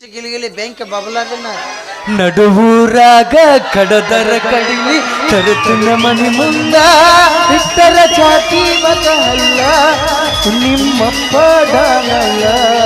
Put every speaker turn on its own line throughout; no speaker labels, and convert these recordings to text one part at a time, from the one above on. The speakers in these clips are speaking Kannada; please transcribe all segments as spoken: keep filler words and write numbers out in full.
ಗಿಲಿಗಿಲಿ ಬೆಂಕಿ ಬಬಲಾದನ್ನ
ನಡುವೂರಾಗ ಕಡದರ ಕಡಿಲಿ ತರುತ್ತಿನ ಮನಿ ಮುಂದ ಇಟ್ಟರ ಚಾತಿ ಮಗ ಅಲ್ಲ ನಿಮ್ಮಪ್ಪ ಡಾಲಲ್ಲ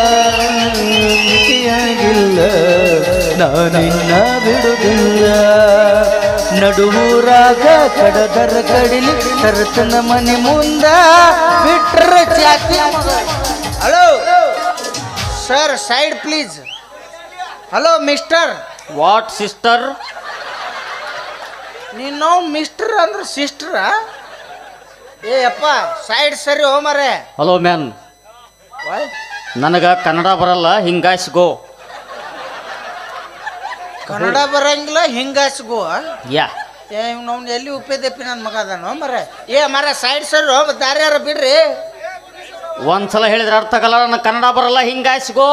ಮಿತಿಯಾಗಿಲ್ಲ ನಾನಿನ್ನ ಬಿಡುವುದಿಲ್ಲ ನಡುವೂರಾಗ ಕಡದರ ಕಡಿಲಿ ತರುತ್ತಿನ ಮನಿ ಮುಂದ ಬಿಟ್ಟರ ಚಾತಿ ಮಗ.
Hello sir, side please. Hello mister.
What sister?
ನೀನು ಮಿಸ್ಟರ್ ಅಂದ್ರೆ ಸಿಸ್ಟರ? ಏ ಅಪ್ಪ ಸೈಡ್ ಸರಿ ಹೋ ಮರೆ.
ಹಲೋ ಮ್ಯಾನ್, ನನಗ ಕನ್ನಡ ಬರಲ್ಲ, ಹಿಂಗಾಯ್ಸ್ಗೋ.
ಕನ್ನಡ ಬರಂಗಿಲ್ಲ, ಹಿಂಗಾಸ್ಗೋ.
ಯಾ
ಏ ನಾವು ಎಲ್ಲಿ ಉಪ್ಪೇದಪ್ಪಿ ನನ್ನ ಮಗ ಅದಾನೋ ಮರೆ. ಏ ಮರ ಸೈಡ್ ಸರಿ ಹೋ, ದಾರಿ ಯಾರ ಬಿಡ್ರಿ.
ಒಂದ್ಸಲ ಹೇಳಿದ್ರೆ ಅರ್ಥ ಆಗಲ್ಲ, ನನಗೆ ಕನ್ನಡ ಬರಲ್ಲ, ಹಿಂಗಾಯ್ಸ್ಗೋ.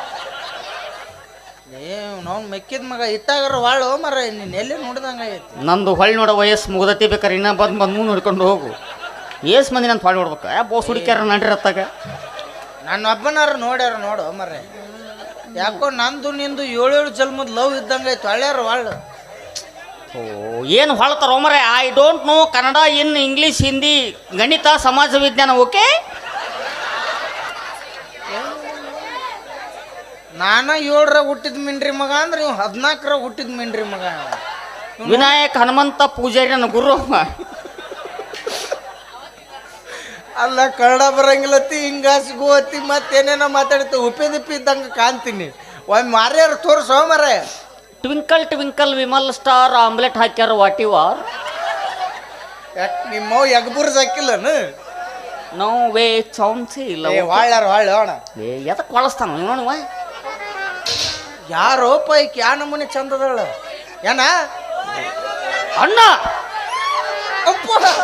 ಏ ನಾವು ಮೆಕ್ಕಿದ ಮಗ ಇತ್ತಾಗಾರ ವಾಳು ಮರ, ನೀನು ಎಲ್ಲಿ ನೋಡ್ದಂಗ ಐತಿ.
ನಂದು ಹೊಳ್ಳಿ ನೋಡೋ ವಯಸ್ಸು ಮುಗ್ದತಿ, ಬೇಕಾರೆ ಇನ್ನೂ ಬಂದು ಬಂದು ನೋಡ್ಕೊಂಡು ಹೋಗು. ಏಸ್ ಮಂದಿ ನಾನು ಹೊಳ್ಳಿ ನೋಡ್ಬೇಕು, ಯಾ ಬೋಸ್ ಹುಡುಕ್ಯಾರ ನಡ್ರಿರತ್ತಾಗ.
ನನ್ನ ಒಬ್ಬನಾರ ನೋಡ್ಯಾರ ನೋಡು ಮರ. ಯಾಕೋ ನಂದು ನಿಂದು ಏಳೇಳು ಜನ್ಮದ ಲವ್ ಇದ್ದಂಗೆ ಐತಿ. ಹಳ್ಳ್ಯಾರ ವಾಳು.
ಓ ಏನು ಹೊಳ್ತಾರ ಮರೆ. I don't know Kannada, in English, Hindi, ಗಣಿತ, ಸಮಾಜ ವಿಜ್ಞಾನ. ಓಕೆ,
ನಾನ ಏಳರಾಗ ಹುಟ್ಟಿದ ಮಿಂಡ್ರಿ ಮಗ ಅಂದ್ರೆ ಇವ್ ಹದಿನಾಲ್ಕರಾಗ ಹುಟ್ಟಿದ ಮಿಂಡ್ರಿ ಮಗ.
ವಿನಾಯಕ್ ಹನುಮಂತ ಪೂಜಾರಿ ನನ್ನ ಗುರು.
ಅಲ್ಲ ಕನ್ನಡ ಬರಂಗಿಲ್ಲತ್ತಿ, ಹಿಂಗಾಸಿಗೂ ಅತ್ತಿ ಮತ್ತೇನೇನೋ ಮಾತಾಡ್ತಿ. ಉಪ್ಪಿದಿಪ್ಪಿ ಇದ್ದಂಗೆ ಕಾಣ್ತೀನಿ. ಒಮ್ಮೆ ಮಾರ್ಯಾರ ತೋರ್ಸೋ ಮರ.
Twinkle twinkle Vimal star omelette ಹಾಕ್ಯಾರ, ವಾಟ್ ಯು ಆರ್?
ಯಾಕೆ ನಿಮ್ಮವ್ ಎಗ್ಬುರ್ಸ್ ಹಾಕಿಲ್ಲನು?
ನೋ ವೇ ಚೌನ್ಸಿ ಇಲ್ಲ.
ವಾಳ್ಯಾರ ವಾಳು ಅಣ್ಣ.
ಏ ಎದಕ್ಕೆ ಕೊಳಸ್ತಾನ ನೋಡುವ.
ಯಾರೋ ಪೈಕ್ ಯಾ ನಮೂನಿ ಚಂದದಳ ಏನ
ಅಣ್ಣ.
ಅಪ್ಪ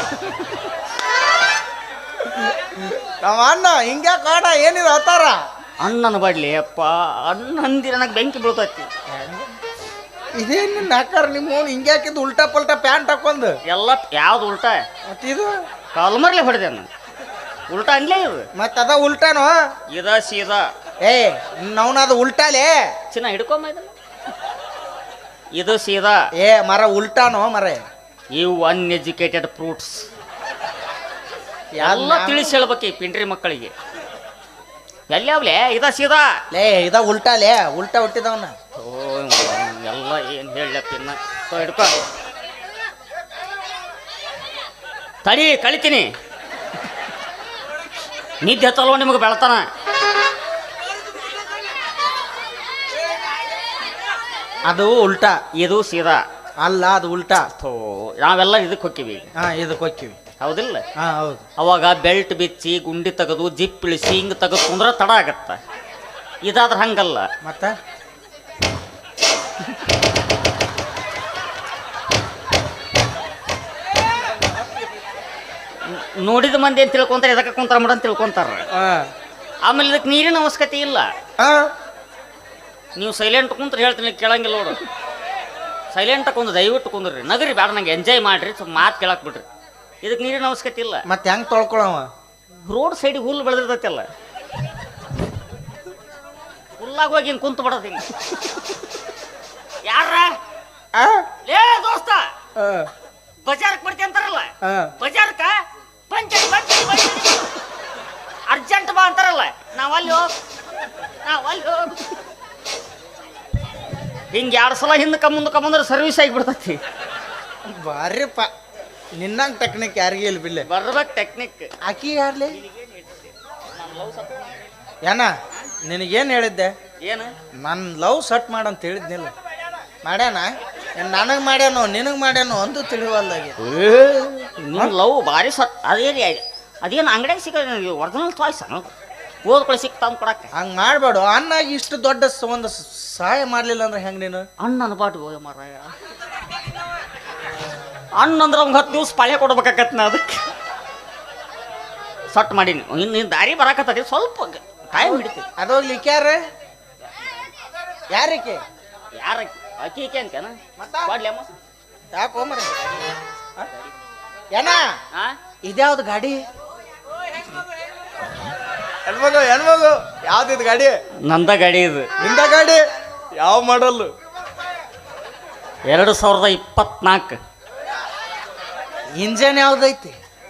ನಮ್ಮ ಅಣ್ಣ ಹಿಂಗ್ಯಾ ಕಾಡ ಏನಿದೆ ಅವತಾರ.
ಅಣ್ಣನ ಬಡ್ಲಿ ಅಪ್ಪ, ಅಣ್ಣ ಅಂದಿರ ನನಗೆ ಬೆಂಕಿ ಬೀಳ್ತೈತಿ.
ಇದೇನು ನಾಕಾರ ನಿಮ್ಮ ಹಿಂಗ್ಯಾಕಿದ್ದು ಉಲ್ಟಾ ಪಲ್ಟಾ ಪ್ಯಾಂಟ್ ಹಾಕೊಂಡ್
ಎಲ್ಲ ಯಾವ್ದು ಉಲ್ಟಾ?
ಮತ್ತಿದು
ಕಾಲ್ಮರ್ಲೆ ಹೊಡೆದೆ ನಾನು. ಉಲ್ಟಾ ಅನ್ಲೇ ಇದು.
ಮತ್ತ ಅದ ಉಲ್ಟಾನೋ
ಇದ ಸೀದಾ.
ಏ ನವನದು ಉಲ್ಟಾಲೇ
ಚಿನ್ನ ಹಿಡ್ಕೊಂಬ ಇದನ್ನ. ಇದು ಸೀದಾ.
ಏ ಮರ ಉಲ್ಟಾನೋ ಮರ.
ಇವು ಅನ್ಎಜುಕೇಟೆಡ್ ಫ್ರೂಟ್ಸ್. ಎಲ್ಲ ತಿಳಿಸಿ ಹೇಳ್ಬೇಕು ಈ ಪಿಂಡ್ರಿ ಮಕ್ಕಳಿಗೆ. ಎಲ್ಲಿಯಾವ್ಲೆ ಇದ ಸೀದಾ.
ಲೇ ಇದ ಉಲ್ಟಾಲೇ, ಉಲ್ಟಾ ಹುಟ್ಟಿದವನ.
ಓ ಎಲ್ಲ ಏನು ಹೇಳಪ್ಪ ಇನ್ನ. ಹಿಡ್ಕೊ ತಡಿ, ಕಳಿತೀನಿ. ನಿದ್ದೆ ಹತ್ತಲ್ವ ನಿಮಗೆ ಬೆಳತಾನ.
ಅದು ಉಲ್ಟಾ,
ಇದು ಸೀದಾ.
ಅಲ್ಲ ಅದು ಉಲ್ಟಾ.
ಥೋ ನಾವೆಲ್ಲ ಇದಕ್ಕೆ ಹೋಕ್ಕಿವಿ.
ಹಾ ಇದಕ್ಕೆ ಹೋಕ್ಕಿವಿ.
ಹೌದಿಲ್ಲ?
ಹಾ ಹೌದು.
ಅವಾಗ ಬೆಲ್ಟ್ ಬಿಚ್ಚಿ ಗುಂಡಿ ತೆಗೆದು ಜಿಪ್ ಇಳಿಸಿ ಹಿಂಗೆ ತೆಗೆದು ಕುಂದ್ರೆ ತಡ ಆಗತ್ತ. ಇದಾದ್ರೆ ಹಂಗಲ್ಲ.
ಮತ್ತ
ನೋಡಿದ ಮಂದಿ ಅಂತ ತಿಳ್ಕೊಂತಾರೆ, ಎದಕ್ಕೆ ಕುಂತಾರ ಮಾಡ ಅಂತ ತಿಳ್ಕೊಂತಾರ. ಆಮೇಲೆ ಇದಕ್ಕೆ ನೀರಿನ ಅವಶ್ಯಕತೆ ಇಲ್ಲ. ನೀವು ಸೈಲೆಂಟ್ ಕುಂತ್ರೆ ಹೇಳ್ತೀನಿ, ಕೇಳಂಗಿಲ್ಲ ನೋಡು. ಸೈಲೆಂಟ್ ಕುಂದು ದಯವಿಟ್ಟು ಕುಂದ್ರಿ, ನಗರಿ ಬೇಡ, ನಂಗೆ ಎಂಜಾಯ್ ಮಾಡ್ರಿ, ಸ್ವಲ್ಪ ಮಾತು ಕೇಳಕ್ ಬಿಡ್ರಿ. ಇದಕ್ಕೆ ನೀರಿನ ಅವಶ್ಯಕತೆ ಇಲ್ಲ.
ಮತ್ತೆ ಹೆಂಗ್ ತೊಳ್ಕೊಳವ?
ರೋಡ್ ಸೈಡಿಗೆ ಹುಲ್ಲು ಬೆಳೆದಿರ್ತೈತಲ್ಲ, ಹುಲ್ಲಾಗ ಹೋಗಿ ಹಿಂಗೆ ಕುಂತು ಬಿಡೋದು. ಹಿಂಗೆ ಯಾರ ಲೇ ದೋಸ್ತ ಬಜಾರ್ಕ್ ಬರ್ತಿ ಅಂತಾರಲ್ಲ, ಬಜಾರ್ಕ ಪಂಚಾಯತ್ ಬಂಚಿ ಅರ್ಜೆಂಟ್ ಬಾ ಅಂತಾರಲ್ಲ, ನಾವಲ್ಲಿ ಹೋಗ್ ನಾವಲ್ಲಿ ಹೋಗ್ ಹಿಂಗೆ ಎರಡು ಸಲ ಹಿಂದಕ್ಕೆ ಮುಂದಕ್ಕೆ ಬಂದ್ರೆ ಸರ್ವಿಸ್ ಆಗಿಬಿಡ್ತೈತಿ.
ಬಾರಿಪ್ಪ, ನಿನ್ನಂಗೆ ಟೆಕ್ನಿಕ್ ಯಾರಿಗೆ ಇಲ್ಲ ಬಿಲ್ಲೆ.
ಬರ್ಬೇಕು ಟೆಕ್ನಿಕ್.
ಆಕಿ ಯಾರ್ಲಿ ಏನ ನಿನಗೇನು ಹೇಳಿದ್ದೆ?
ಏನು
ನನ್ನ ಲವ್ ಸಟ್ ಮಾಡಂತ ಹೇಳಿದ್ನಿಲ್ಲ. ಮಾಡ್ಯಾನ? ನನಗೆ ಮಾಡ್ಯಾನೋ ನಿನಗೆ ಮಾಡ್ಯಾನೋ ಒಂದು ತಿಳಿವಲ್ಲಾಗಿ.
ನೀನು ಲವ್ ಭಾರಿ ಸಟ್. ಅದೇನು ಅದೇನು ಅಂಗಡಿಯಾಗ ಸಿಗ ಒರಿಜಿನಲ್ ಚಾಯ್ಸ್ ಓದ್ಕೊಳ್ಳಿ ಸಿಕ್ತಾವ್ ಕೊಡಕ್ಕೆ.
ಹಂಗೆ ಮಾಡಬೇಡ. ಅನ್ನಾಗಿ ಇಷ್ಟು ದೊಡ್ಡ ಒಂದು ಸಹಾಯ ಮಾಡಲಿಲ್ಲ ಅಂದ್ರೆ ಹೆಂಗೆ ನೀನು?
ಅಣ್ಣನ ಬಾಟು ಹೋಗ ಮಾರಾಯ. ಅಣ್ಣ ಅಂದ್ರೆ ಅವ್ಗೆ ಹತ್ತು ದಿವ್ಸ ಪಾಳ್ಯ ಕೊಡ್ಬೇಕಾಗತ್ತೆ. ನಾ ಅದಕ್ಕೆ ಸಟ್ ಮಾಡೀನಿ. ಇನ್ನು ನೀನು ದಾರಿ ಬರಾಕತ್ತದಿ, ಸ್ವಲ್ಪ ಟೈಮ್ ಹಿಡಿತೀವಿ.
ಅದೋಗ್ಲಿಕ್ಕೆ ಯಾರ ಯಾರಕ್ಕೆ
ಯಾರ ಅಕ್ಕಿ ಈಕೆ ಅಂತೇನ ಕೊಡ್ಲಿ ಅಮ್ಮ.
ಯಾಕೋ ಮರ ಏನ
ಹಾಂ
ಇದ್ಯಾವ್ದು ಗಾಡಿ? ಹೆಣ್ಮಗು ಹೆಣ್ಮಗು ಯಾವ್ದಿದ್ ಗಾಡಿ?
ನಂದ ಗಾಡಿ ಇದು.
ನಿಂದ ಗಾಡಿ? ಯಾವ ಮಾಡಲ್ಲು?
ಎರಡು ಸಾವಿರದ ಇಪ್ಪತ್ನಾಲ್ಕು.
ಇಂಜನ್ ಯಾವ್ದೈತಿ?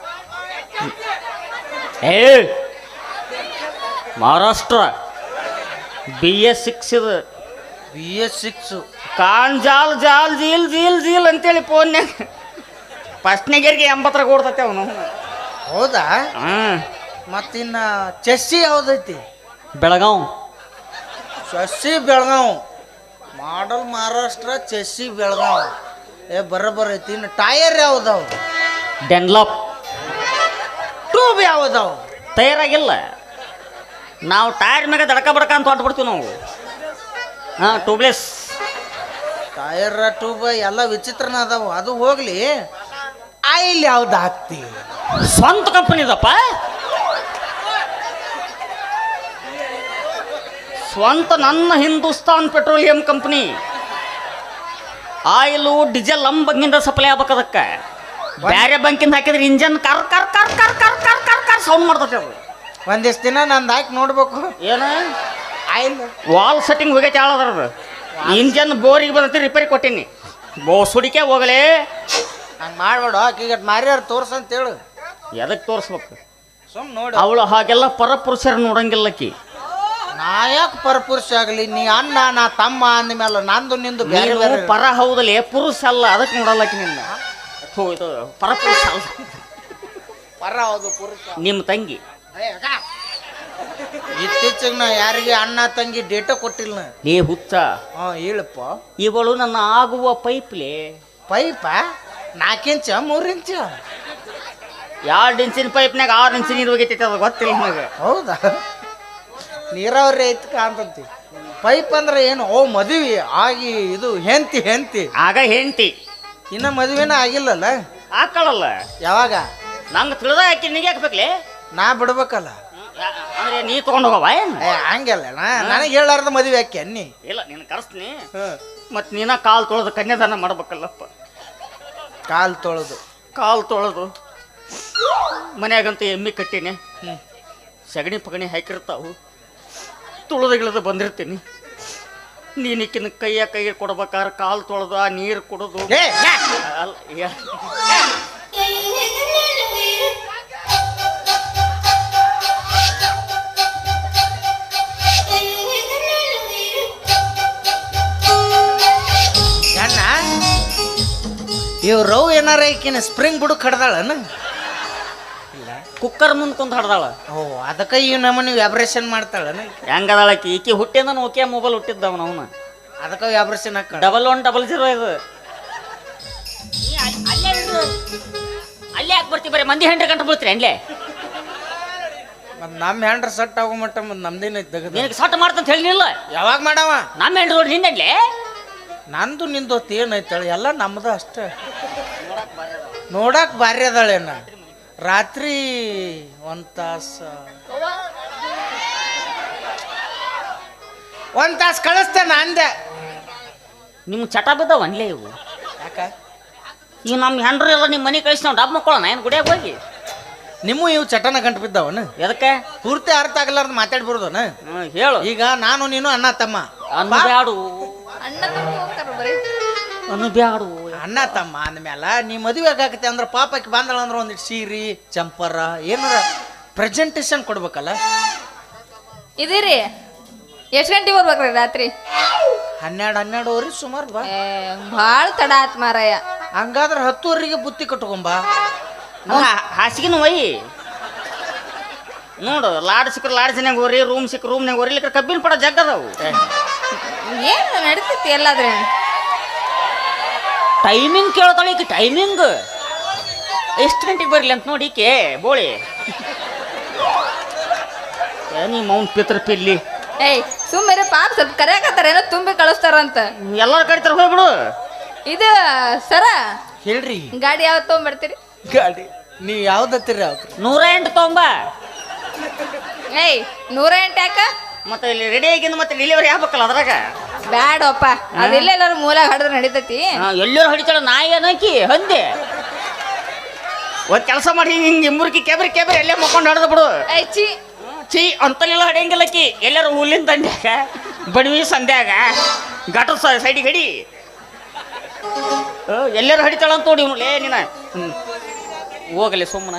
ಏ ಮಹಾರಾಷ್ಟ್ರ ಬಿ ಎಸ್ ಸಿಕ್ಸ್ ಇದು.
ಬಿ ಎಸ್ ಸಿಕ್ಸು
ಕಾನ್ ಜಾಲ್ ಜಾಲ್ ಜೀಲ್ ಜೀಲ್ ಜೀಲ್ ಅಂತೇಳಿ ಫೋನ್ಯಾಗ ಫಸ್ಟ್ನಿಗರಿಗೆ ಎಂಬತ್ತರಾಗ ಓಡ್ತೈತೆ ಅವನು.
ಹೌದಾ?
ಹಾಂ.
ಮತ್ತಿನ್ನ ಚೆಸ್ಸಿ ಯಾವ್ದೈತಿ?
Belgaum.
Chassis Belgaum model Maharashtra, chassis Belgaum. ಏ ಬರೋಬ್ಬರ ಐತಿ. ಇನ್ನು ಟೈರ್ ಯಾವ್ದಾವ?
ಡೆನ್ಲಾಪ್.
ಟ್ಯೂಬ್ ಯಾವ್ದಾವ?
ತಯಾರಾಗಿಲ್ಲ. ನಾವು ಟೈರ್ ಮ್ಯಾಗ ದಡಕ ಬಡಕ ಅಂತ ಹೊಟ್ಬಿಡ್ತೀವಿ ನಾವು. ಹಾಂ, ಟ್ಯೂಬ್ಲೆಸ್.
ಟೈರ್ ಟ್ಯೂಬ್ ಎಲ್ಲ ವಿಚಿತ್ರನ ಅದಾವ. ಅದು ಹೋಗ್ಲಿ, ಆಯಿಲ್ ಯಾವ್ದು ಹಾಕ್ತಿ?
ಸ್ವಂತ ಕಂಪನಿದಪ್ಪ. ಸ್ವಂತ ನನ್ನ Hindustan Petroleum company. Oil diesel ನಮ್ಮ ಬಂಕಿಂದ ಸಪ್ಲೈ ಆಗ್ಬೇಕು. ಅದಕ್ಕೆ ಬೇರೆ ಬಂಕಿಂದ ಹಾಕಿದ್ರೆ ಇಂಜನ್ ಕರ್ ಕರ್ ಕರ್ ಕರ್ ಕರ್ ಕರ್ ಕರ್ ಕರ್ ಸೌಂಡ್ ಮಾಡ್ತೈತೆ ಅದು.
ಒಂದಿಷ್ಟು ದಿನ ನಂದು ಹಾಕಿ ನೋಡ್ಬೇಕು.
ಏನು
ಆಯಿಲ್
ವಾಲ್ ಸೆಟ್ಟಿಂಗ್ ಹೋಗೈತೆ ಹೇಳೋದ್ರದ್ದು. ಇಂಜನ್ ಬೋರಿಗೆ ಬಂದೈತಿ, ರಿಪೇರಿ ಕೊಟ್ಟೀನಿ. ಬೋ ಸುಡಿಕೆ ಹೋಗಲೇ.
ಹಂಗೆ ಮಾಡ್ಬೇಡ. ಆಕಿಗೆ ಮಾರ್ಯಾರ ತೋರ್ಸಂತೇಳು.
ಎದಕ್ಕೆ ತೋರಿಸ್ಬೇಕು?
ಸುಮ್ ನೋಡಿ.
ಅವಳು ಹಾಗೆಲ್ಲ ಪರಪುರುಷರು ನೋಡಂಗಿಲ್ಲಕ್ಕಿ.
ನಾ ಯಾಕೆ ಪರಪುರುಷ ಆಗಲಿ? ನೀ ಅಣ್ಣ, ನಾ ತಮ್ಮ ಅಂದಮೇಲೆ ನಂದು ನಿಂದು ಬೇರೆ
ನೀನು
ಬೇರೆ.
ಪರ ಹೌದಲ್ಲ, ಪುರುಷ ಅಲ್ಲ. ಅದಕ್ಕೆ ನೋಡಲ್ಲಕ್ಕಿ ನಿನ್ನ. ಥೂ, ಇದು ಪರಪುರುಷ ಅಲ್ಲ.
ಪರ ಹೌದು, ಪುರುಷ.
ನಿಮ್ಮ ತಂಗಿ
ಇತ್ತೀಚೆಗೆ ನಾ ಯಾರಿಗೆ ಅಣ್ಣ ತಂಗಿ ಡೇಟ ಕೊಟ್ಟಿಲ್ಲ.
ಲೇ ಹುಚ್ಚ,
ಹಾ ಹೇಳಪ್ಪ.
ಇವಳು ನನ್ನ ಆಗುವ ಪೈಪ್ಲೆ.
ಪೈಪ ನಾಲ್ಕು ಇಂಚ ಮೂರು ಇಂಚ?
ಎರಡು ಇಂಚಿನ ಪೈಪ್ನಾಗ ಆರು ಇಂಚಿನ ನೀರು ಹೋಗೈತೈತೆ. ಅದು ಗೊತ್ತಿಲ್ಲ ನನಗೆ.
ಹೌದಾ? ನೀರಾವರಿ ಐತ್ ಕಾಂತಂತಿ. ಪೈಪ್ ಅಂದ್ರೆ ಏನು? ಓ ಮದುವೆ ಆಗಿ ಇದು ಹೆಂತಿ ಹೆಂತಿ
ಆಗ ಹೆಂಡತಿ
ಇನ್ನ ಮದುವೆನ ಆಗಿಲ್ಲಲ್ಲ?
ಹಾಕೊಳ್ಳಲ್ಲ.
ಯಾವಾಗ?
ನಂಗೆ ತಿಳಿದ ಹಾಕಿ ನಿಗೆ ಹಾಕ್ಬೇಕ್ಲೆ.
ನಾ ಬಿಡ್ಬೇಕಲ್ಲ.
ಅಂದ್ರೆ ನೀ ತಗೊಂಡು ಹೋಗವ ಏನು?
ಏ ಹಂಗಲ್ಲ, ನಾ ನನಗೆ ಹೇಳಾರ್ದ ಮದುವೆ ಹಾಕಿ ಅನ್ನಿ.
ಇಲ್ಲ, ನೀನು ಕರೆಸ್ತೀನಿ. ಮತ್ತು ನೀನ ಕಾಲು ತೊಳೆದು ಕನ್ಯಾದಾನ ಮಾಡ್ಬೇಕಲ್ಲಪ್ಪ.
ಕಾಲು ತೊಳೆದು
ಕಾಲು ತೊಳೆದು ಮನ್ಯಾಗಂತೂ ಎಮ್ಮಿ ಕಟ್ಟೀನಿ. ಸಗಣಿ ಪಗಣಿ ಹಾಕಿರ್ತಾವು. ತುಳಿದು ಬಂದಿರ್ತೀನಿ. ನೀನಿಕ್ಕಿನ ಕೈಯ ಕೈಗೆ ಕೊಡ್ಬೇಕಾದ್ರೆ ಕಾಲು ತೊಳೆದು ಆ ನೀರು ಕುಡಿದು ಅಲ್ಲ.
ಅಣ್ಣ ಇವ್ ರವ್ ಏನಾರ ಈಕಿನ ಸ್ಪ್ರಿಂಗ್ ಬುಡಕ್ ಕಡ್ದಾಳನ?
ಕುಕ್ಕರ್ ಮುಂದೆ ಕುಂತ ಹಡ್ದಾಳ.
ಓ ಅದಕ್ಕೆ ಈ ನಮ್ಮನೆ ವ್ಯಾಬ್ರೇಷನ್ ಮಾಡ್ತಾಳನ?
ಹೆಂಗದಾಳಕಿ ಈಕಿ ಹುಟ್ಟಿಂದ ಓಕೆ ಮೊಬೈಲ್ ಹುಟ್ಟಿದ್ದವ ಅವನ.
ಅದಕ್ಕೆ ವ್ಯಾಬ್ರೇಷನ್ ಹಾಕ.
ಡಬಲ್ ಒನ್ ಡಬಲ್ ಜೀರೋ ಇದು. ಅಲ್ಲೇ ಯಾಕೆ ಬರ್ತೀವಿ? ಬರೀ ಮಂದಿ ಹೆಂಡ್ರೆ ಗಂಟೆ ಬೀಳ್ತೀರಿ ಅಲ್ಲೇ.
ಮತ್ತು ನಮ್ಮ ಹ್ಯಾಂಡ್ರ ಸಟ್ ಆಗೋ ಮಟ್ಟ ಮತ್ತು ನಮ್ದೇನು ಐತೆ ತೆಗೆದು
ನಿನಗೆ ಸಟ್ ಮಾಡ್ತಂತ ಹೇಳಿಲ್ಲ.
ಯಾವಾಗ ಮಾಡವ?
ನಮ್ಮ ಹೆಂಡ್ರು ನೋಡಿ ನಿಂದಲ್ಲೇ.
ನಂದು ನಿಂದು ಏನೈತಾಳೆ ಎಲ್ಲ ನಮ್ದು ಅಷ್ಟೇ. ನೋಡಕ್ ಭಾರಿ ಅದಾಳೇನ? ರಾತ್ರಿ ಒಂದು ತಾಸು ಒಂದು ತಾಸು ಕಳಿಸ್ತೇನೆ ಅಂದೆ.
ನಿಮ್ಮ ಚಟ ಬಿದ್ದಾವ ಅನ್ಲೇ ಇವು.
ಯಾಕ?
ಈಗ ನಮ್ಮ ಹೆಂಡ್ರು ಎಲ್ಲ ನಿಮ್ಮ ಮನೆ ಕಳಿಸಿ ನಾವು ಡಬ್ ಮಕ್ಕೊಳ್ಳೋಣ ಏನು ಗುಡಿಯಾಗ ಹೋಗಿ.
ನಿಮ್ಮ ಇವು ಚಟನ ಗಂಟು ಬಿದ್ದಾವನ?
ಎದಕ್ಕೆ?
ಪೂರ್ತಿ ಅರ್ಥ ಆಗಲಾರ್ದು ಮಾತಾಡ್ಬಿಡ್ದನ?
ಹ್ಞೂ ಹೇಳು.
ಈಗ ನಾನು ನೀನು ಅಣ್ಣ ತಮ್ಮ.
ಅನ್ಬ್ಯಾಡು
ಅಣ್ಣ ತಮ್ಮ ಹೋಗ್ತಾರ ಬರೀ.
ಅನ್ಬ್ಯಾಡು
ಅಣ್ಣ ತಮ್ಮ ಅಂದ್ಮೇಲೆ ನೀ ಮದುವೆ ಆಗತ್ತೆ ಅಂದ್ರೆ ಪಾಪಕ್ಕೆ ಬಂದಳ ಅಂದ್ರೆ ಒಂದಿಟ್ಟು ಸೀರೆ ಚಂಪರ ಏನಾರ ಪ್ರೆಸೆಂಟೇಷನ್ ಕೊಡ್ಬೇಕಲ್ಲ.
ಇದೀರಿ ಎಷ್ಟು ಗಂಟೆಗೆ ಬರ್ಬೇಕ್ರಿ ರಾತ್ರಿ?
ಹನ್ನೆರಡು ಹನ್ನೆರಡುವರೆ ಸುಮಾರು ಬಾ.
ಏ ಭಾಳ ತಡ ಆತ್ ಮಾರಾಯ.
ಹಂಗಾದ್ರೆ ಹತ್ತುವರೆಗೆ ಬುತ್ತಿ ಕಟ್ಕೊಂಬ.
ಹಾಸಿಗೆನು ಒಯ್ಯಿ ನೋಡು. ಲಾಡ್ ಸಿಕ್ಕರು ಲಾಡ್ಜಿನಾಗ ಹೋರಿ, ರೂಮ್ ಸಿಕ್ಕ ರೂಮ್ನಾಗ ಹೋರಿಲಿಕ್ಕೆ ಕಬ್ಬಿನ ಪಡ ಜಗ್ಗದವು.
ಏನು ನಡೀತೈತಿ ಎಲ್ಲಾದ್ರೆ?
ಟೈಮಿಂಗ್ ಕೇಳ್ತಾಳೆ ಈಕೆ. ಟೈಮಿಂಗ್ ಎಷ್ಟು ಗಂಟೆಗೆ ಬರಲಿ ಅಂತ ನೋಡಿ ಈಕೆ ಬೋಳಿ. ನೀ ಮೌನ್ ಪಿತ್ರ ಪಿಲ್ಲಿ.
ಏಯ್ ಸುಮ್ಮನೆ ಪಾಪ ಸ್ವಲ್ಪ ಕರೆಯಕತ್ತಾರ ಏನೋ ತುಂಬಿ ಕಳಿಸ್ತಾರಂತ.
ಎಲ್ಲರ ಕಡಿತಾರೆ ಹೋಗ್ಬಿಡು.
ಇದು ಸರ
ಹೇಳ್ರಿ
ಗಾಡಿ ಯಾವತ್ತು ತೊಗೊಂಬರ್ತೀರಿ?
ಗಾಡಿ ನೀ ಯಾವ್ದತ್ತೀರಿ ಯಾವ್ದು?
ನೂರ ಎಂಟು ತೊಂಬ.
ಏಯ್ ನೂರ ಎಂಟು ಯಾಕ?
ಮತ್ತೆ ಇಲ್ಲಿ ರೆಡಿ ಆಗಿಂದ ಮತ್ತೆ ಡೆಲಿವರಿ ಆಗ್ಬೇಕಲ್ಲ ಅದ್ರಾಗ.
ಬ್ಯಾಡಪ್ಪ, ಅದೆಲ್ಲ ಎಲ್ಲಾರು ಮೂಲ ಹಡಿದ್ರೆ ನಡೀತೈತಿ.
ಎಲ್ಲರೂ ಹೊಡಿತಾಳ. ನಾಯಿ ಏನಕಿ ಹಂದೆ ಒಂದು ಕೆಲಸ ಮಾಡಿ ಹಿಂಗೆ ಮುರುಕಿ ಕೆಬರಿ ಕೆಬರಿ ಎಲ್ಲೇ ಮಕ್ಕೊಂಡು ಹೊಡೆದು ಬಿಡು.
ಏಯ್ ಚಿ
ಚೀ ಅಂತಲೆಲ್ಲ ಹೊಡೆಯಂಗಿಲ್ಲಕ್ಕಿ. ಎಲ್ಲರೂ ಹುಲ್ಲಿನ ದಂಡ್ಯಾಗ ಬಡವಿ ಸಂಧ್ಯಾಗ ಘಾಟ ಸೈಡಿಗೆ ಹಡಿ ಎಲ್ಲರೂ ಹಡಿತಾಳ ಅಂತ ನೋಡಿ ಇವನು ಲೇ ನೀನ ಹೋಗಲಿ ಸುಮ್ಮನೆ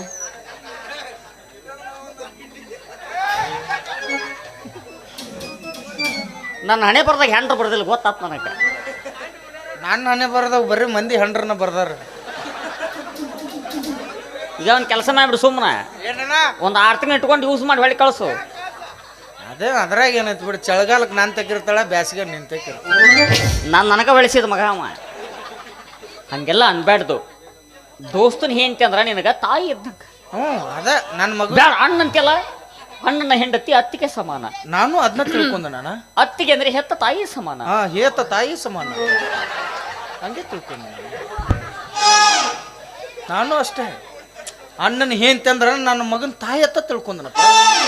ನನ್ನ ಹಣೆ ಬರ್ದಾಗ ಹೆಂಡ್ರು ಬರ್ದಿಲ್ಲ ಗೊತ್ತಾತ್ ನನಗೆ
ನಾನು ಹಣೆ ಬರ್ದಾಗ ಬರೀ ಮಂದಿ ಹಂಡ್ರನ್ನ ಬರ್ದಾರ
ಈಗ ಒಂದು ಕೆಲಸ ಮಾಡಿಬಿಡು ಸುಮ್ಮನೆ
ಏನಣ್ಣ
ಒಂದು ಆರು ತಿಂಗಳು ಇಟ್ಕೊಂಡು ಯೂಸ್ ಮಾಡಿ ಹೊಳಿ ಕಳಿಸು
ಅದೇ ಅದ್ರಾಗ ಏನೈತಿ ಬಿಡು ಚಳಿಗಾಲಕ್ಕೆ ನಾನು ತೆಗಿರ್ತಾಳ ಬ್ಯಾಸಿಗೆ ನಿನ್ ತೆಗಿರ್
ನಾನು ನನಗೆ ಬೆಳೆಸಿದ ಮಗ ಅವ ಹಂಗೆಲ್ಲ ಅನ್ಬ್ಯಾಡ್ದು ದೋಸ್ತನ ಹೆಂಡತಿ ಅಂದ್ರೆ ನಿನಗೆ ತಾಯಿ ಇದ್ದಂಗ
ಹ್ಞೂ ಅದ ನನ್ನ ಮಗ
ಬೇಡ ಅಣ್ಣಂತೆಲ್ಲ ಅಣ್ಣನ ಹೆಂಡತಿ ಅತ್ತಿಗೆ ಸಮಾನ
ನಾನು ಅದನ್ನ ತಿಳ್ಕೊಂಡೆ ನಾನು
ಅತ್ತಿಗೆ ಅಂದ್ರೆ ಹೆತ್ತ ತಾಯಿ ಸಮಾನ
ಹಾ ಹೇತ ತಾಯಿ ಸಮಾನ ಹಂಗೆ ತಿಳ್ಕೊಂಡೆ ನಾನು ಅಷ್ಟೇ ಅಣ್ಣನ ಹೆಂಡತಿ ಅಂದ್ರೆ ನನ್ನ ಮಗನ ತಾಯಿ ಅತ್ತ ತಿಳ್ಕೊಂಡನಪ್ಪ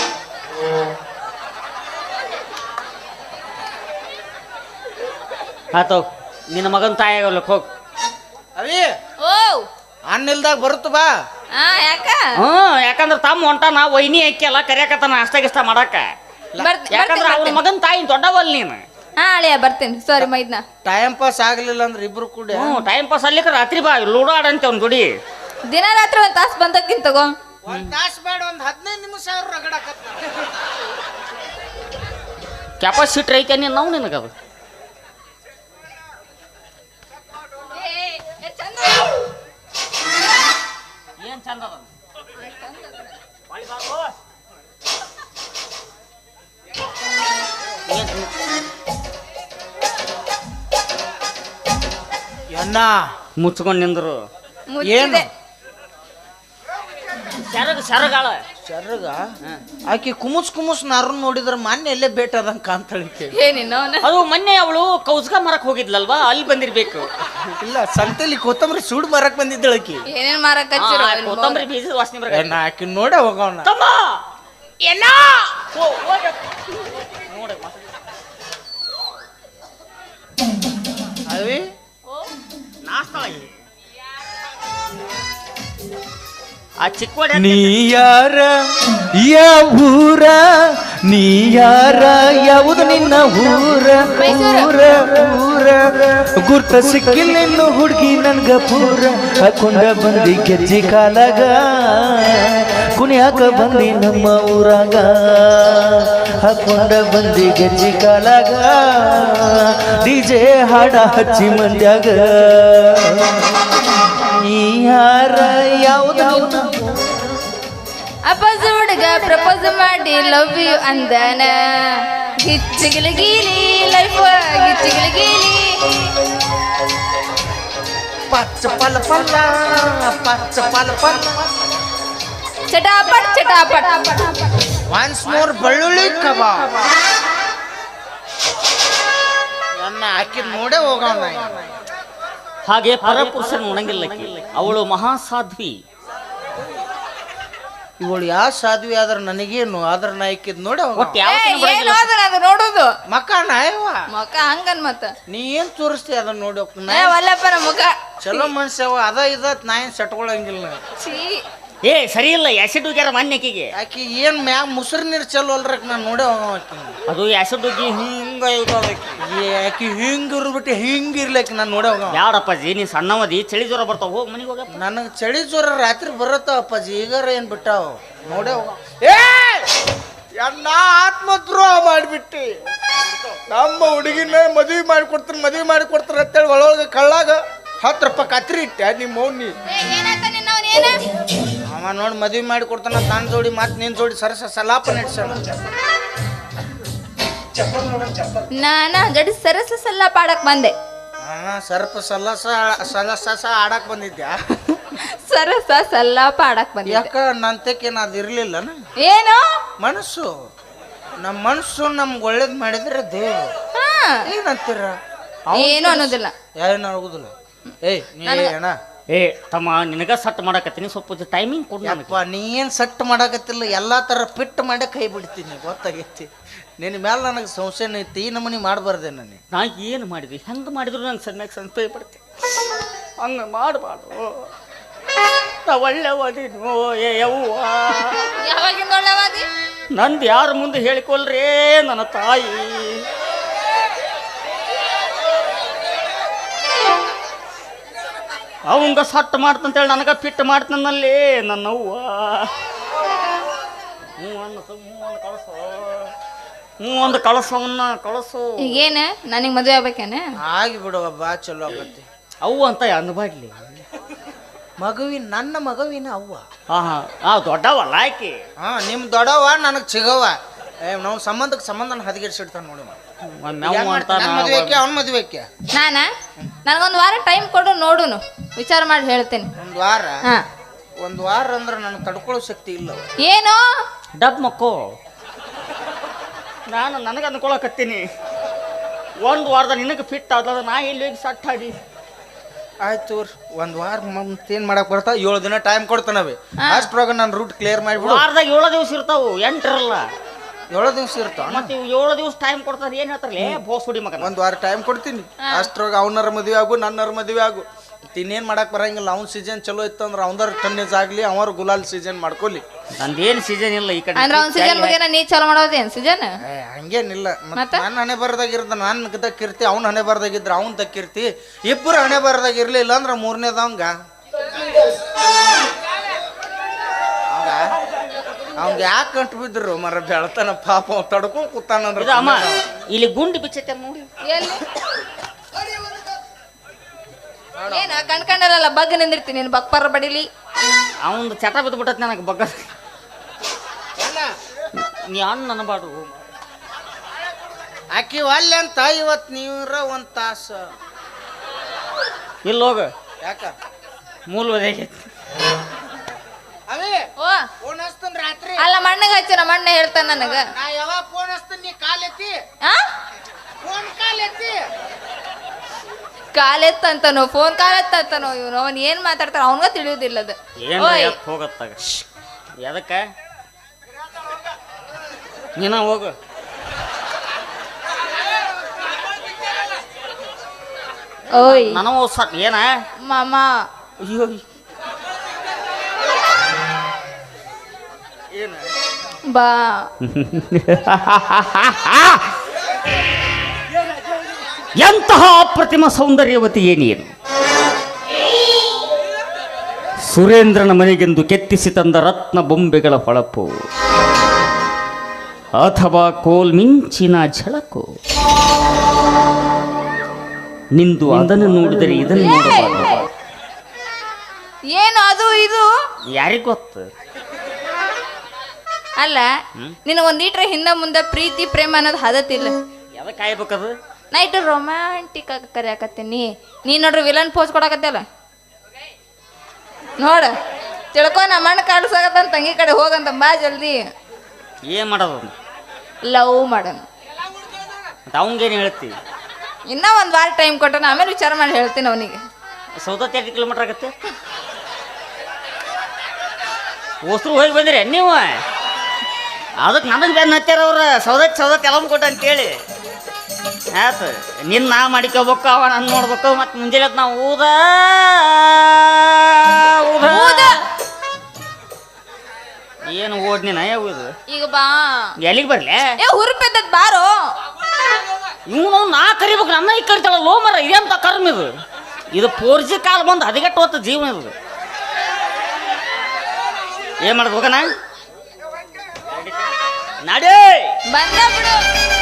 ಆತವ್ ನಿನ್ನ ಮಗನ ತಾಯಿ ಆಗಲ್ಲಕ್ಕೆ ಹೋಗ್
ಅವಿ
ಓ
ಅಣ್ಣ ಇಲ್ದಾಗ ಬರುತ್ತ ಬಾ
ಹಾ ಯಾಕ
ಹ್ಮ್ ಯಾಕಂದ್ರೆ ತಮ್ಮ ಹೊಂಟಾನ ವೈನಿ ಅಕ್ಕಿಯಲ್ಲ ಕರಿಯಾಕತ್ತಾನ ಅಷ್ಟ ಗಿಷ್ಟ ಮಾಡಾಕ
ಬರ್ತ್-
ಯಾಕಂದ್ರೆ
ಬರ್ತೀನಿ,
ಅವ್ನ
ಬರ್ತೀನಿ.
ಮಗನ ತಾಯಿ ದೊಡ್ಡವಲ್ ನೀನು
ಹಾ ಅಳಿಯ ಬರ್ತೀನಿ ಸಾರಿ ಮೈದ್ನ
ಟೈಮ್ ಪಾಸ್ ಆಗ್ಲಿಲ್ಲ ಅಂದ್ರೆ ಇಬ್ರು ಕೂಡ
ಹ್ಞೂ ಟೈಮ್ ಪಾಸ್ ಅಲ್ಲಿಕ್ಕೆ ರಾತ್ರಿ ಬಾ ಲೂಡೋ ಆಡಂತೆ ಅವ್ನ ಗುಡಿ
ದಿನ ರಾತ್ರಿ ಒಂದ್ ತಾಸ್ ಬಂದಕ್ಕಿಂತ ತಗೋ
ಒಂದ್ ತಾಸು ಬೇಡ ಒಂದ್ ಹದಿನೈದು ನಿಮಿಷ ಅವ್ರು ರಗಡಾಕತ್ತ
ಕೆಪಾಸಿಟಿ ಐತೆ ನೀನು ನಾವು ನಿನಗದು ಏನ್ ಚಂದ ಅದ
ಎಣ್ಣ
ಮುಚ್ಕೊಂಡ್ ನಿಂದ್ರು
ಏನು
ಸೆರಗ ಸೆರಗಾಳ
ಚರ್ಗ ಆಕಿ ಕುಮುಸ್ ಕುಮುಸ್ ನಾರನ್ ನೋಡಿದ್ರ ಮೊನ್ನೆ ಎಲ್ಲೇ ಭೇಟ ಅದಂಗ ಕಾಂತಳಿಕೆ
ಏನಿನ್ನ ಅವನ
ಅದು ಮೊನ್ನೆ ಅವಳು ಕೌಸ್ಗ ಮರಕ್ ಹೋಗಿದ್ಲಲ್ವಾ ಅಲ್ಲಿ ಬಂದಿರ್ಬೇಕು
ಇಲ್ಲ ಸಂತೆಲಿ ಕೊತ್ತಂಬರಿ ಸುಡ್ ಮರಕ್ ಬಂದಿದ್ದಳಕಿ
ಏನೇನ್ ಮಾರಕ್
ಆ,
ಹಚ್ಚಿರೋ
ಕೊತ್ತಂಬರಿ ಬೀಜದ ವಾಸನೆ ಬರ
ಎಣ್ಣ ಆಕಿ ನೋಡೇ ಹೋಗೋಣ
ತಮ್ಮ ಎಲ್ಲ ನೋಡ
ಅವಿ
ನಾಸ್ತಾ ಆ ಚಿಕ್ಕ
ನೀ ಯಾರ ಯಾವೂರ ನೀ ಯಾರ ಯಾವುದು ನಿನ್ನ ಊರ ಊರ ಊರ ಗುರ್ತ ಸಿಕ್ಕಿಲ್ಲ ಇನ್ನು ಹುಡುಗಿ ನನ್ಗ ಪೂರ ಹಾಕೊಂಡ ಬಂದಿ ಗೆಜ್ಜಿ ಕಾಲಾಗ ಕುಣಿಯಾಕ ಬಂದಿ ನಮ್ಮ ಊರಾಗ ಹಾಕೊಂಡ ಬಂದಿ ಗೆಜ್ಜಿ ಕಾಲಾಗ ಡಿಜೆ ಹಾಡ ಹಚ್ಚಿ ಮಂದ್ಯಾಗ ನೀ ಯಾರ ಯಾವುದು
ಅಪ್ಪಜ ಹುಡುಗ ಪ್ರಪೋಸ್ ಮಾಡಿ ಲವ್ ಯು ಅಂದನ ಗಿಚ್ಚಿಗಿಲ ಗೀಲಿ ಲೈಫ್ ಗಿಚ್ಚಿಗಿಲ ಗೀಲಿ
ಪಚ್ಚ ಪಲ ಪಲ್ಲ ಪಚ್ಚ ಪಲ ಪಲ್ಲ
ಚಟಾಪಟ್ ಚಟಾಪಟ್
ಒನ್ಸ್ ಮೋರ್ ಬೆಳ್ಳುಳ್ಳಿ ಕಬಾಬ್ ಎಣ್ಣ ಆಕಿ ನೋಡೇ ಹೋಗೋಣ
ಹಾಗೆ ಪರಪುರುಷನ ಉಣಂಗಿಲ್ಲ ಅವಳು ಮಹಾಸಾಧ್ವಿ
ಇವಳು ಯಾವ ಸಾಧ್ವಿ ಆದ್ರ ನನಗೇನು ಆದ್ರ ನಾಯ್ಕಿದ್ ನೋಡ
ಒಟ್ಟು ಯಾವ
ಏನು ಅದನ್ನ ಅದು ನೋಡೋದು
ಮಕ್ಕ ನಾಯವ
ಮುಖ ಹಂಗನ್ ಮತ್ತ
ನೀ ಏನ್ ತೋರಿಸ್ತಿ ಅದನ್ನ ನೋಡಿ ಹೋಗ್
ಏ ವಲ್ಲಪ್ಪನ ಮುಖ
ಚಲೋ ಮನ್ಸ್ಯವ ಅದ ಇದತ್ ನಾ ಏನ್ ಸಟ್ಕೊಳಂಗಿಲ್ಲ
ಛೀ
ಏ ಸರಿ ಇಲ್ಲ ಆಸಿಡ್ ಹೋಗ್ಯಾರ ಮಾನ್ಯಕಿಗೆ
ಆಕಿ ಏನ್ ಮ್ಯಾಗ ಮುಸ್ರು ನೀರ್ ಚಲೋ ಅಲ್ರಕ್ ನಾನು ನೋಡೇ ಹೋಗೋ ಆಕಿ
ಅದು ಆಸಿಡ್ ಹೋಗಿ ಹಿಂಗ
ಏ ಆಕಿ ಹಿಂಗ್ ಇರ್ಬಿಟ್ಟು ಹಿಂಗ್ ಇರ್ಲಕ್ ನಾನು ನೋಡೇ ಹೋಗೋ
ಯಾಡಪ್ಪಾಜಿ ನೀ ಸಣ್ಣವದಿ ಚಳಿ ಜ್ವರ ಬರ್ತಾವ ಹೋಗಿ ಮನೆಗೆ ಹೋಗಪ್ಪ
ನನಗೆ ಚಳಿ ಜ್ವರ ರಾತ್ರಿ ಬರತ್ತಾವ ಅಪ್ಪಾಜಿ ಈಗಾರ ಏನ್ ಬಿಟ್ಟಾವ ನೋಡೇ ಹೋಗೋ ಏ ಅಣ್ಣ ಆತ್ಮದ್ರೋಹ ಮಾಡಿಬಿಟ್ಟಿ ನಮ್ಮ ಹುಡುಗಿನ ಮದುವೆ ಮಾಡಿಕೊಡ್ತಾರೆ ಮದುವೆ ಮಾಡಿಕೊಡ್ತಾರೆ ಅಂತೇಳಿ ಒಳಗೆ ಕಳ್ಳಾಗ ಹತ್ತು ರೂಪಾಯಿ ಕತ್ರಿ ಇಟ್ಟೆ ನಿಮ್ಮ ಮೌನಿ ಅವ ನೋಡಿ ಮದುವೆ ಮಾಡಿ ಕೊಡ್ತಾನ ನನ್ನ ಜೋಡಿ ಮಾತು ನಿನ್ನ ಜೋಡಿ ಸರಸ ಸಲಾಪ ನಡೆಸೋಣ
ನಾನ ಗಡಿ ಸರಸ ಸಲ್ಲ ಪಾಡಕ್ ಬಂದೆ
ಹಾ ಸರ್ಪ ಸಲಸ ಸಲಸ ಆಡಕ್ ಬಂದಿದ್ಯಾ
ಸರಸ ಸಲ್ಲ ಪಾಡಕ್ ಬಂದೆ
ಯಾಕ ನಂತಕ್ಕೇನು ಅದು ಇರ್ಲಿಲ್ಲನ
ಏನು
ಮನಸ್ಸು ನಮ್ಮ ಮನಸ್ಸು ನಮ್ಗೆ ಒಳ್ಳೇದು ಮಾಡಿದ್ರೆ ದೇವ್ರು
ಹಾ
ಏನಂತೀರ
ಏನು ಅನ್ನೋದಿಲ್ಲ
ಏನು ಆಗುದಿಲ್ಲ ಏಯ್ ನೀ ಅಣ್ಣ
ಏ ತಮ್ಮ ನಿನಗ ಸಟ್ ಮಾಡಕತ್ತೀನಿ ಸ್ವಲ್ಪ ಟೈಮಿಂಗ್ ಕೊಡು ನನಗೆ
ಯಪ್ಪ ನೀ ಏನು ಸೆಟ್ ಮಾಡಕತ್ತಿಲ್ಲ ಎಲ್ಲ ಥರ ಫಿಟ್ ಮಾಡೇ ಕೈ ಬಿಡ್ತೀನಿ ಗೊತ್ತಾಗೈತಿ ನಿನ್ನ ಮೇಲೆ ನನಗೆ ಸಂಶಯ ಐತಿ ಈ ನಮೂನಿ ಮಾಡಬಾರ್ದೆ ನನಗೆ
ನಾ ಏನು ಮಾಡಿದ್ವಿ ಹೆಂಗೆ ಮಾಡಿದ್ರು ನಂಗೆ ಸಣ್ಣಗೆ ಸಂಸ್ಥೆ ಪಡ್ತೀನಿ ಹಂಗೆ ಮಾಡಬಾರ್ದು ನಾ ಒಳ್ಳೆವದಿನು ಏ ಯವ್ವ
ಯಾವಾಗಿಂದ ಒಳ್ಳೆವಾದಿ
ನಂದು ಯಾರ ಮುಂದೆ ಹೇಳಿಕೊಳ್ರೇ ನನ್ನ ತಾಯಿ ಅವಂಗ ಸಟ್ ಮಾಡ್ತಂತೇಳಿ ನನಗ ಫಿಟ್ ಮಾಡ್ತನಲ್ಲಿ ನನ್ನವ್ವ. ಹ್ಞೂ ಅನ್ನ ಹ್ಞೂ ಒಂದು ಕಳಸು ಹ್ಞೂ ಒಂದು ಕಳಸವನ್ನ ಕಳಸು.
ಈಗೇನ ನನಗೆ ಮದುವೆ ಆಗ್ಬೇಕೇನ?
ಆಗಿ ಬಿಡುವ ಬಾ ಚಲೋ ಆಗತ್ತೆ.
ಅವು ಅಂತ ಅನ್ಬಾಡ್ಲಿ
ಮಗುವಿನ ನನ್ನ ಮಗುವಿನ ಅವ್ವ.
ಹಾ ಹಾ ಆ ದೊಡ್ಡವಲ್ಲ ಆಕಿ.
ಹಾ ನಿಮ್ ದೊಡ್ಡವ ನನಗ್ ಚಿಗವ. ಏ ನಾವು ಸಂಬಂಧಕ್ಕೆ ಸಂಬಂಧನ ಹದಗೆಡ್ಸಿಡ್ತಾನ ನೋಡಿ. ಮದುವೆಕ್ಕೆ ಅವ್ನ ಮದುವೆಕ್ಕೆ
ನಾನ ನನಗೊಂದು ವಾರ ಟೈಮ್ ಕೊಡು, ನೋಡುನು ವಿಚಾರ ಮಾಡಿ ಹೇಳ್ತೇನೆ.
ಒಂದ್ ವಾರ?
ಹಾ
ಒಂದ್ ವಾರ ಅಂದ್ರೆ ನನಗೆ ತಡ್ಕೊಳ್ಳೋ ಶಕ್ತಿ ಇಲ್ಲ.
ಏನು
ಡಬ್ ಮಕ್ಕೋ, ನಾನು ನನಗೆ ಅನ್ಕೊಳಕತ್ತೀನಿ ಒಂದು ವಾರದ ನಿನಗೆ ಫಿಟ್ ಆದ ನಾ ಇಲ್ಲಿ ಹೋಗಿ ಸಟ್ ಆಡಿ.
ಆಯ್ತು ಒಂದ್ ವಾರ ಮತ್ತೇನ್ ಮಾಡಕ್ ಬರ್ತಾ ಏಳು ದಿನ ಟೈಮ್ ಕೊಡ್ತಾನವೆ. ಅಷ್ಟ್ರೊಳಗ ನಾನು ರೂಟ್ ಕ್ಲಿಯರ್ ಮಾಡಿಬಿಡು.
ವಾರದಾಗ ಏಳು ದಿವಸ ಇರ್ತಾವು, ಎಂಟಿರಲ್ಲ.
ಏಳು ದಿವಸ ಇರ್ತಾವ
ಮತ್ತೆ ಏಳು ದಿವಸ ಟೈಮ್ ಕೊಡ್ತಾರೆ. ಏನ್ ಹೇಳ್ತಾರಲ್ಲ ಬೋಸ್ ಹುಡಿ ಮಗ.
ಒಂದ್ ವಾರ ಟೈಮ್ ಕೊಡ್ತೀನಿ. ಅಷ್ಟ್ರೊಳಗ ಅವನರ ಮದುವೆ ಆಗು, ನನ್ನರ ಮದುವೆ ಆಗು. ಇನ್ನೇನ್ ಮಾಡಕ್ ಬರಂಗಿಲ್ಲ. ಅವ್ನ ಸೀಸನ್ ಚಲೋ ಇತ್ತು ಅಂದ್ರೆ ಅವನರ ಟನ್ನೇಜ್ ಆಗ್ಲಿ, ಅವರ ಗುಲಾಲ್ ಸೀಸನ್ ಮಾಡ್ಕೊಲಿ.
ನಂದೇನ್ ಸೀಸನ್ ಇಲ್ಲ ಈ ಕಡೆ.
ಅಂದ್ರೆ ಅವ್ನ ಸೀಸನ್ ಬಗ್ಗೆ ನೀ ಚಾಲು ಮಾಡೋದೇನ್ ಸೀಸನ್?
ಹಂಗೇನಿಲ್ಲ. ನಾನು ಹಣೆ ಬರದಾಗಿರ್ದ ನಾನು ದಕ್ಕಿರ್ತಿ, ಅವ್ನ ಹಣೆ ಬರದಾಗಿದ್ರ ಅವ್ನ ದಕ್ಕಿರ್ತಿ. ಇಬ್ಬರು ಹಣೆ ಬರದಾಗಿರ್ಲಿಲ್ಲ ಅಂದ್ರೆ ಮೂರನೇದವಂಗ ಅವಂಗ ಯಾಕೆ ಕಂಟು ಬಿದ್ರು ಮರ ಬೆಳತಾನ ಪಾಪ ಅವ್ ತಡ್ಕೊಂಡ್ ಕೂತಾನಂದ್ರ.
ಅಮ್ಮ ಇಲ್ಲಿ ಗುಂಡಿ ಬಿಚ್ಚೈತೆ ನೋಡಿ.
ಎಲ್ಲಿ ಏನ ಕಣ್ಕಂಡಲ್ಲ ಬಗ್ ನಿಂದಿರ್ತೀನಿ ನೀನು ಬಕ್ಪರ ಬಡಿಲಿ.
ಅವಂದು ಚಟ ಬಿದ್ದುಬಿಟ್ಟತ್ ನನಗೆ ಬಗ್ಗ. ನೀ ಅಣ್ಣ ಅನ್ಬಾಡು.
ಆಕಿ ಅಲ್ಲ ಅಂತ ಇವತ್ ನೀವ್ರ ಒಂದ್ ತಾಸ
ಇಲ್ಲ ಹೋಗ.
ಯಾಕ
ಮೂಲ ಒದಗೈತಿ.
ಅವೇ
ಓ
ಫೋನ್ ಹಚ್ತನ್ ರಾತ್ರಿ.
ಅಲ್ಲ ಮಣ್ಣಗೆ ಹಚ್ಚ ನಮ್ಮ ಅಣ್ಣ ಹೇಳ್ತಾನ ನನಗ.
ನಾ ಯಾವಾಗ ಫೋನ್ ಹಚ್ತನ್ ನೀ ಕಾಲ್ ಎತ್ತಿ.
ಆ
ಫೋನ್ ಕಾಲ್ ಎತ್ತಿ.
ಕಾಲ್ ಎತ್ತಂತಾನೋ ಫೋನ್ ಕಾಲ್ ಎತ್ತಂತಾನೋ ಇವನು. ಅವನ್ ಏನ್ ಮಾತಾಡ್ತಾನ ಅವನ್ಗ ತಿಳಿಯೋದಿಲ್ಲ ಅದು.
ಏನ್ ಹೋಗತ್ತಾಗ ಎದಕ್ಕ ನೀನ ಹೋಗು.
ಓಯ್
ನನಗೂ ಸ ಏನ
ಮಾಮ
ಅಯ್ಯೋ
ಏನ
ಬಾ.
ಎಂತಹ ಅಪ್ರತಿಮ ಸೌಂದರ್ಯವತಿ ಏನೇನು. ಸುರೇಂದ್ರನ ಮನೆಗೆಂದು ಕೆತ್ತಿಸಿ ತಂದ ರತ್ನ ಬೊಂಬೆಗಳ ಹೊಳಪು ಅಥವಾ ಕೋಲ್ ಮಿಂಚಿನ ಝಳಕು. ನಿಂದು ಅದನ್ನು ನೋಡಿದರೆ ಇದನ್ನು ನೋಡಬಾರದು.
ಏನು ಅದು ಇದು
ಯಾರಿಗ ಗೊತ್ತು.
ಅಲ್ಲ ನಿನ್ನ ಒಂದ್ ಈಟ್ರ ಹಿಂದ ಮುಂದೆ ಪ್ರೀತಿ ಪ್ರೇಮ ಅನ್ನೋದು ಹದತಿಲ್ಲ.
ಯಾವಾಗ ಕಾಯ್ಬೇಕದು.
ನಾ ಇಟ್ಟು ರೊಮ್ಯಾಂಟಿಕ್ ಆಗಿ ಕರಿಯಾಕತ್ತೀನಿ. ನೀ ನೋಡ್ರಿ ವಿಲನ್ ಪೋಸ್ ಕೊಡಕತ್ತಲ್ಲ ನೋಡ. ತಿಳ್ಕೊ ನಮ್ಮ ಮಣ್ಣು ಕಾಡ್ಸಾಕತ್ತ ತಂಗಿ ಕಡೆ ಹೋಗಂತ ಬಾ ಜಲ್ದಿ.
ಏನ್ ಮಾಡೋದು.
ಲವ್ ಮಾಡೋಣ.
ಅವಂಗೇನು ಹೇಳ್ತಿ.
ಇನ್ನ ಒಂದ್ ವಾರ ಟೈಮ್ ಕೊಟ್ಟನ ಆಮೇಲೆ ವಿಚಾರ ಮಾಡಿ ಹೇಳ್ತೀನಿ ಅವನಿಗೆ.
ಸೌದತ್ತಿ ಎರಡು ಕಿಲೋಮೀಟರ್ ಆಗತ್ತೆ. ಹೊಸ್ರು ಹೋಗಿ ಬಂದಿರಿ ನೀವು. ಅದಕ್ಕೆ ನನಗೆ ಬೆನ್ನ ಹತ್ತಾರ ಅವ್ರ ಸೌದತ್ತಿ ಸೌದತ್ತಿ ಎಲ್ಲ ಕೊಟ್ಟ ಅಂತೇಳಿ. ಆಯ್ತು ನಿನ್ನ ನಾ ಮಾಡಿಕೋಬೇಕು, ಅವ ನಾನು ನೋಡ್ಬೇಕು. ಮತ್ತೆ ಮುಂಜಾನೆ ನಾವು ಊದ ಊದ ಏನು ಓದ್ ನೀನ ಯಾವುದು
ಈಗ ಬಾ.
ಎಲ್ಲಿಗೆ ಬರ್ಲೆ
ಏ ಹುರುಪೆದ್ದದ್ ಬಾರೋ.
ಇವನು ನಾ ಕರಿಬೇಕು, ನನ್ನ ಈ ಕರಿತಾಳ ಲೋ ಮರ. ಇದೆಂತ ಕರ್ಮ ಇದು. ಇದು ಫೋರ್ ಜಿ ಕಾಲ್ ಬಂದು ಹದಿಗೆಟ್ಟು ಹೊತ್ತು ಜೀವನ ಇದು. ಏನ್ ಮಾಡೋದು ಹೋಗಣ ನಡೇ
ಬಂದ ಬಿಡು.